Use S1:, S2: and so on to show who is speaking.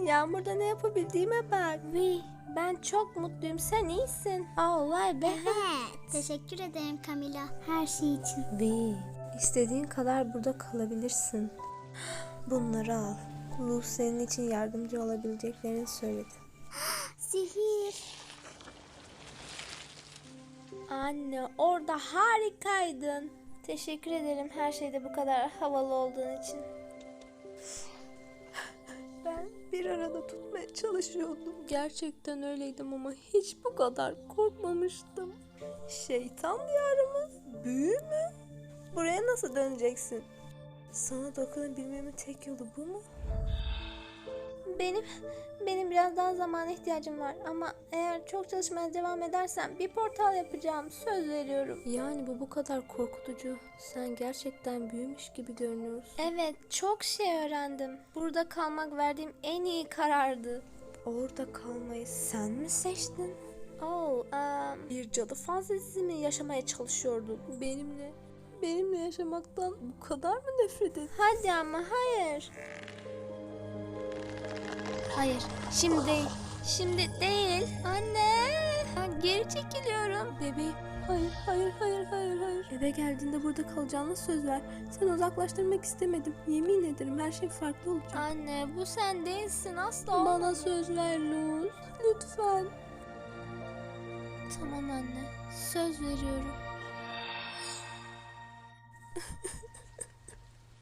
S1: Yağmurda ne yapabildiğime bak. Ben çok mutluyum. Sen iyisin. Vay be.
S2: Evet. Teşekkür ederim Camila. Her şey için.
S1: İstediğin kadar burada kalabilirsin. Bunları al. Ruh senin için yardımcı olabileceklerini söyledi.
S2: Sihir.
S1: Anne, orada harikaydın. Teşekkür ederim her şeyde bu kadar havalı olduğun için. Ben bir arada tutmaya çalışıyordum. Gerçekten öyleydim ama hiç bu kadar korkmamıştım. Şeytan diyarımız büyü mü? Buraya nasıl döneceksin? Sana dokunabilmemin tek yolu bu mu? Benim biraz daha zamana ihtiyacım var ama eğer çok çalışmaya devam edersem bir portal yapacağım, söz veriyorum. Yani bu kadar korkutucu. Sen gerçekten büyümüş gibi görünüyorsun. Evet, çok şey öğrendim. Burada kalmak verdiğim en iyi karardı. Orada kalmayı sen mi seçtin? Bir cadı fantezisi mi yaşamaya çalışıyordun? Benimle yaşamaktan bu kadar mı nefret ettin? Hadi ama hayır. Hayır, şimdi değil. Şimdi değil. Anne! Ben geri çekiliyorum. Bebeğim, hayır. Eve geldiğinde burada kalacağına söz ver. Seni uzaklaştırmak istemedim. Yemin ederim her şey farklı olacak. Anne, bu sen değilsin asla. Bana söz ver Luz. Lütfen. Tamam anne, söz veriyorum.